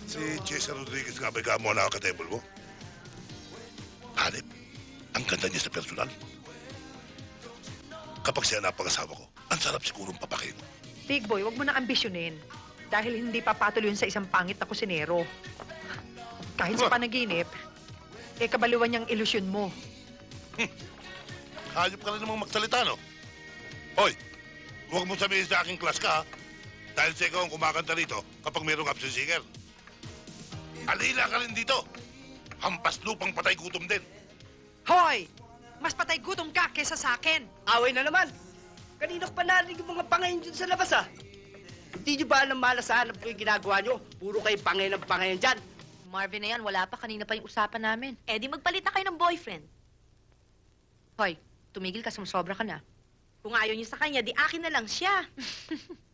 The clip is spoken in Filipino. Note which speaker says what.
Speaker 1: Si Cesar Rodriguez nga ba'y kamo na ka-table mo? Hanip, ang ganda niya sa personal. Kapag siya napag-asawa ko, ang sarap sigurong papakin.
Speaker 2: Big boy, wag mo na ambisyonin. Dahil hindi papatuloy yun sa isang pangit na kusinero. Kahit sa panaginip, kabaliwan niyang ilusyon mo.
Speaker 1: Hayop ka rin namang magsalita, no? Hoy, huwag mo sabihin sa aking class ka, ha? Dahil sa ikaw ang kumakanta rito kapag mayroong absent singer. Alila ka rin dito. Hampas lupang patay gutom din.
Speaker 2: Hoy! Mas patay gutom ka kesa sa akin.
Speaker 3: Away na naman. Kanina ko pa narinig yung mga pangayin dyan sa labas, ah. Hindi nyo ba alam malasahanap ko yung ginagawa nyo? Puro kayo pangayin ng pangayin dyan.
Speaker 4: Marvin na yan, wala pa. Kanina pa yung usapan namin.
Speaker 5: Eh, di magpalit na kayo ng boyfriend.
Speaker 4: Hoy, tumigil ka, sumusobra ka na.
Speaker 5: Kung ayaw niyo sa kanya, di akin na lang siya.